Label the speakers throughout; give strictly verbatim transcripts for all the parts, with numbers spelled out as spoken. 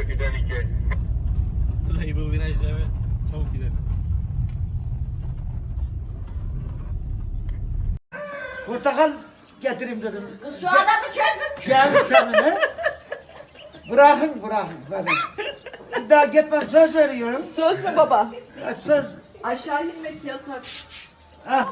Speaker 1: giden iki.
Speaker 2: Vallahi bu virajlara çabuk gidelim.
Speaker 3: Portakal getireyim dedim.
Speaker 4: Kız şu adamı çözdün.
Speaker 3: Şahit canını. Bırakın bırakın beni. Bir daha gitmem söz veriyorum.
Speaker 4: Söz mü baba?
Speaker 3: Evet, söz.
Speaker 4: Aşağı inmek yasak.
Speaker 3: Ha.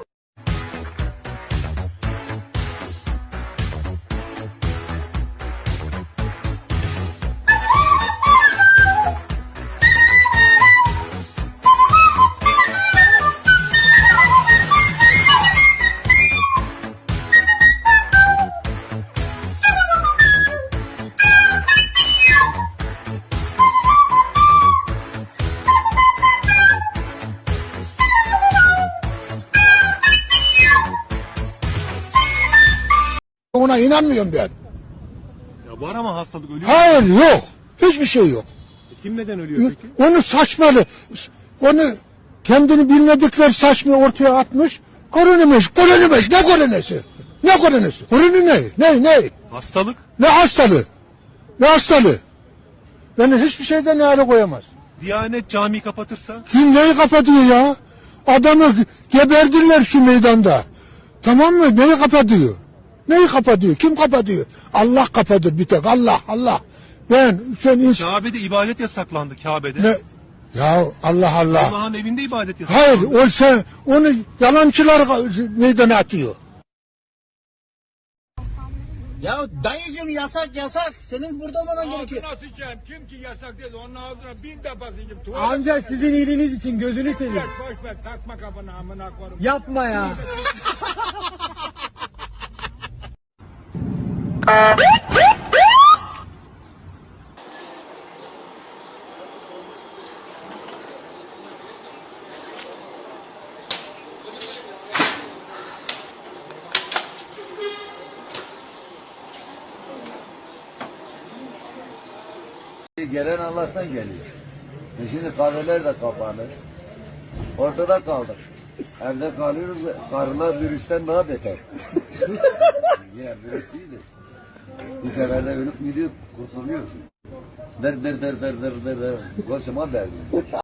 Speaker 5: Ona inanmıyorum ben.
Speaker 2: Ya var ama hastalık ölüyor.
Speaker 5: Hayır yok. Hiçbir şey yok.
Speaker 2: E kim neden ölüyor peki?
Speaker 5: Onu saçmalı. Onu kendini bilmedikleri saçma ortaya atmış. Koronamış, koronamış. Ne koronası? Ne koronası? Korona ne? Ne, ne?
Speaker 2: Hastalık.
Speaker 5: Ne hastalığı? Ne hastalığı? Beni hiçbir şeyden ne hale koyamaz.
Speaker 2: Diyanet cami kapatırsa.
Speaker 5: Kim neyi kapatıyor ya? Adamı geberdirler şu meydanda. Tamam mı? Neyi kapatıyor? Neyi kapatıyor? Kim kapatıyor? Allah kapatır bir tek. Allah, Allah. Ben, sen insan...
Speaker 2: Kabe'de ibadet yasaklandı Kabe'de.
Speaker 5: Ne? Ya Allah Allah.
Speaker 2: Allah'ın evinde ibadet yasaklandı.
Speaker 5: Hayır, o sen, onu yalancılar meydana atıyor.
Speaker 3: Ya dayıcım yasak yasak. Senin burada olmaman gerekiyor.
Speaker 6: Ağzına sıçayım. Kim ki yasak dedi onun ağzına bin defa sıçayım.
Speaker 7: Amca sizin iyiliğiniz için gözünü seveyim.
Speaker 6: Boş ver takma kafanı amına koyayım.
Speaker 7: Yapma ya.
Speaker 8: Gelen Allah'tan geliyor. E şimdi kahveler de kapanır. Ortada kaldık. Evde kalıyoruz. Karılar virüsten daha beter. Ya virüs iyidir. Bir seferde ölüp gidiyor, kurtuluyorsun. Der der der der der der der. Kocaman derdi.